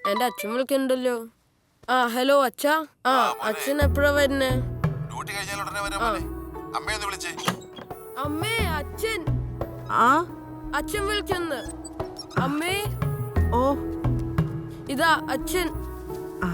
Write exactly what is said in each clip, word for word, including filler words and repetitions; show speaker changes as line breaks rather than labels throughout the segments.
എന്റെ അച്ഛൻ വിളിക്കണ്ടല്ലോ. ആ ഹലോ അച്ഛാ. ആ അച്ഛൻ എപ്പോഴാ വരുന്നേ? അമ്മേ അച്ഛൻ
ആ
അച്ഛൻ വിളിക്കുന്നു. അമ്മേ
ഓ
ഇതാ അച്ഛൻ.
ആ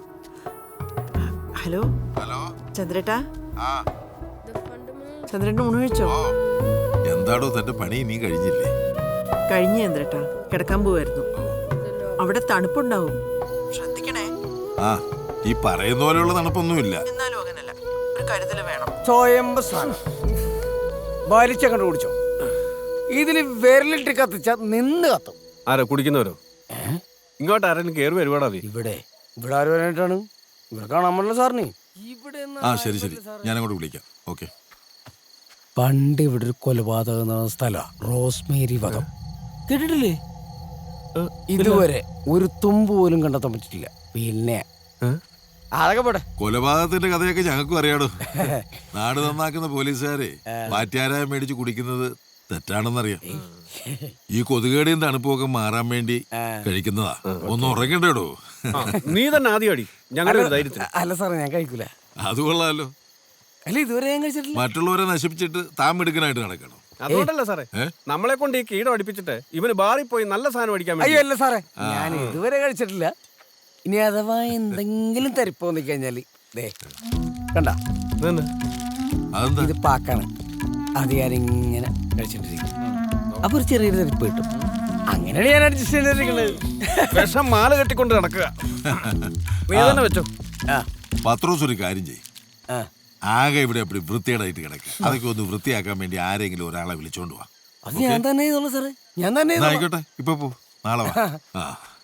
ഹലോ
ഹലോ
ചന്ദ്രേട്ടാ. ചന്ദ്രേട്ടൻ ഊണ് കഴിച്ചോ?
എന്താടോ തന്റെ പണി നീ കഴിഞ്ഞില്ലേ?
കഴിഞ്ഞ ചന്ദ്രേട്ടാ, കിടക്കാൻ പോവായിരുന്നു. അവിടെ തണുപ്പുണ്ടാവും, ശ്രദ്ധിക്കണേ.
ആ ഈ പറയുന്ന പോലെയുള്ള തണുപ്പൊന്നുമില്ല.
എന്നാലും അങ്ങനല്ല, ഒരു കരുതൽ വേണം.
സ്വയംഭ സാധനം വലിച്ച കണ്ടു കുടിച്ചോ. ഇതില് വിരലിട്ട് കത്തിച്ച നിന്ന് കത്തും.
ആരാ കുടിക്കുന്നവരോ? ഇങ്ങോട്ട് ആരെങ്കിലും കയറി വരുവാടാ?
ഇവിടെ ഇവിടെ ആര് വരാനായിട്ടാണ്? ഇവിടെ കാണാൻ പറ്റില്ല സാറിന്. ഇവിടെ
ആ ശരി ശരി, ഞാനങ്ങോട്ട് വിളിക്കാം. ഓക്കെ.
പണ്ട് ഇവിടെ ഒരു കൊലപാതകം നടന്ന സ്ഥലമാണ് റോസ്മേരി വധം. കേട്ടിട്ടില്ലേ? ഇതുവരെ ഒരു തുമ്പ് പോലും കണ്ടെത്താൻ പറ്റിട്ടില്ല. പിന്നെ അതൊക്കെ പോട്ടെ.
കൊലപാതകത്തിന്റെ കഥയൊക്കെ ഞങ്ങൾക്കും അറിയാടോ. നാട് നന്നാക്കുന്ന പോലീസുകാരെ വാറ്റാരായ മേടിച്ച് കുടിക്കുന്നത് തെറ്റാണെന്നറിയാം. ഈ കൊതുകേടിയും തണുപ്പൊക്കെ മാറാൻ വേണ്ടി കഴിക്കുന്നതാ. ഒന്ന് ഉറങ്ങണ്ടേടോ.
നീ തന്നെ ആദ്യം അടി, ഞങ്ങളുടെ ധൈര്യത്തിന്.
അല്ല സാറേ, ഞാൻ കഴിക്കൂല.
അത് കൊള്ളാലോ.
അല്ല ഇതുവരെ ഞാൻ കഴിച്ചിട്ടില്ല.
മറ്റുള്ളവരെ നശിപ്പിച്ചിട്ട് താൻ മിടുക്കനായിട്ട് നടക്കണം.
അതുകൊണ്ടല്ല സാറേ, നമ്മളെ കൊണ്ട് ഈ കീടം അടിപ്പിച്ചിട്ട് ഇവന് ബാറിൽ പോയി നല്ല സാധനം അടിക്കാൻ.
അയ്യോ അല്ല സാറേ, ഞാൻ ഇതുവരെ കഴിച്ചിട്ടില്ല. ഇനി അഥവാ എന്തെങ്കിലും തരിപ്പോന്നി കഴിഞ്ഞാല് ദേ കണ്ട, ഇത് പാക്കാണ്. അത് ഞാനിങ്ങനെ കഴിച്ചിട്ടിരിക്കും. അപ്പൊ ഒരു ചെറിയൊരു തരിപ്പ് കിട്ടും. അങ്ങനെയാണ് ഞാൻ അഡ്ജസ്റ്റ് ചെയ്തിരിക്കുന്നത്.
വിഷം മാല കെട്ടിക്കൊണ്ട് നടക്കുക. നീ തന്നെ വെച്ചോ.
പത്രോസ് ഒരു കാര്യം ചെയ്യും, ആകെ ഇവിടെ എപ്പോഴും വൃത്തികേടായിട്ട് കിടക്കുക. അതൊക്കെ ഒന്ന് വൃത്തിയാക്കാൻ വേണ്ടി ആരെങ്കിലും ഒരാളെ വിളിച്ചോണ്ട് പോവാ.
അത് ഞാൻ തന്നെ ചെയ്തോളൂ സാറേ, ഞാൻ തന്നെ
ആയിക്കോട്ടെ. ഇപ്പൊ പോ, നാളെ വാ. ആ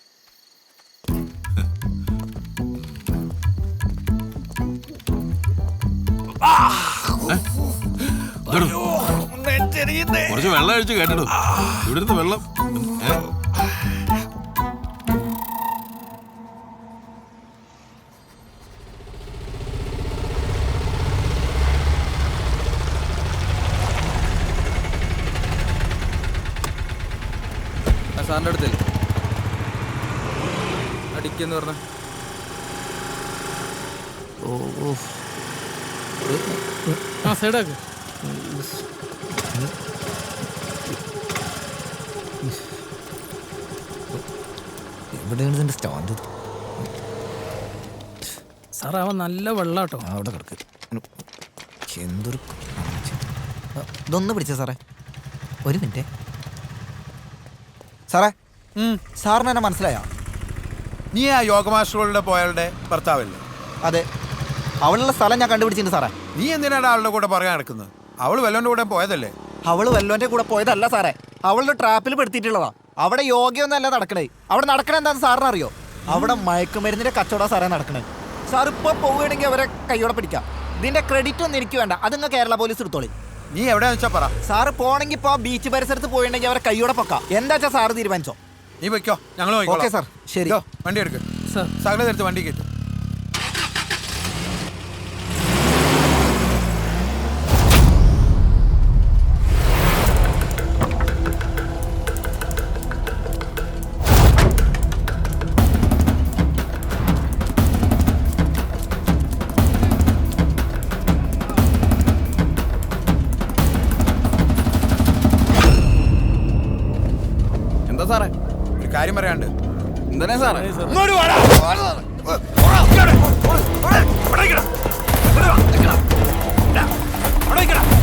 കുറച്ച് വെള്ളം കഴിച്ച് കേട്ടിടും. ഇവിടുത്തെ വെള്ളം
സാറിൻ്റെ അടുത്തല്ലേ അടിക്കെന്ന് പറഞ്ഞ?
ആ സൈഡാക്ക്.
എവിടെയാണ് ഇതിൻ്റെ സ്റ്റാൻഡ്?
സാറേ അവൻ നല്ല വെള്ളാട്ടോ.
അവിടെ കിടക്ക്. എന്തൊരു ഇതൊന്ന് പിടിച്ച സാറേ, ഒരു മിനിറ്റ്. സാറേ, സാറിന് എന്നെ മനസ്സിലായോ?
നീ ആ യോഗ മാസ്റ്ററുകളുടെ പോയാളുടെ ഭർത്താവല്ലേ?
അതെ, അവളുള്ള സ്ഥലം ഞാൻ കണ്ടുപിടിച്ചിട്ടുണ്ട് സാറേ.
നീ എന്തിനാണ് അവളുടെ കൂടെ പറയാൻ നടക്കുന്നത്? അവള് വല്ലോന്റെ കൂടെ പോയതല്ലേ?
അവള് വല്ലോന്റെ കൂടെ പോയതല്ല സാറേ, അവളുടെ ട്രാപ്പിൽ പെടുത്തിയിട്ടുള്ളതാ. അവിടെ യോഗയൊന്നല്ല നടക്കണേ. അവിടെ നടക്കണേ എന്താണെന്ന് സാറിന് അറിയോ? അവിടെ മയക്കുമരുന്നിന്റെ കച്ചവടം സാറേ നടക്കണേ. സാർ ഇപ്പൊ പോവുകയാണെങ്കിൽ അവരെ കൈയോടെ പിടിക്കാം. ഇതിന്റെ ക്രെഡിറ്റ് ഒന്നും എനിക്ക് വേണ്ട, അത് നിങ്ങൾ കേരള പോലീസ് എടുത്തോളി.
നീ എവിടെയാന്ന് വെച്ചാ പറ.
സാറ് പോണെങ്കിൽ ഇപ്പൊ ബീച്ച് പരിസരത്ത് പോയിട്ടുണ്ടെങ്കിൽ അവരെ കൈയോടെ പൊക്കാം. എന്താ വെച്ചാൽ സാറ് തീരുമാനിച്ചോ.
നീ വെക്കോ, ഞങ്ങൾ
ഓക്കെ സാർ, ശരി.
വണ്ടി എടുക്ക്. സകല എടുത്ത് വണ്ടി കയറ്റും.
എന്താ സാറേ?
ഒരു കാര്യം പറയാണ്ട്.
എന്താ സാറേ?
അവിടെ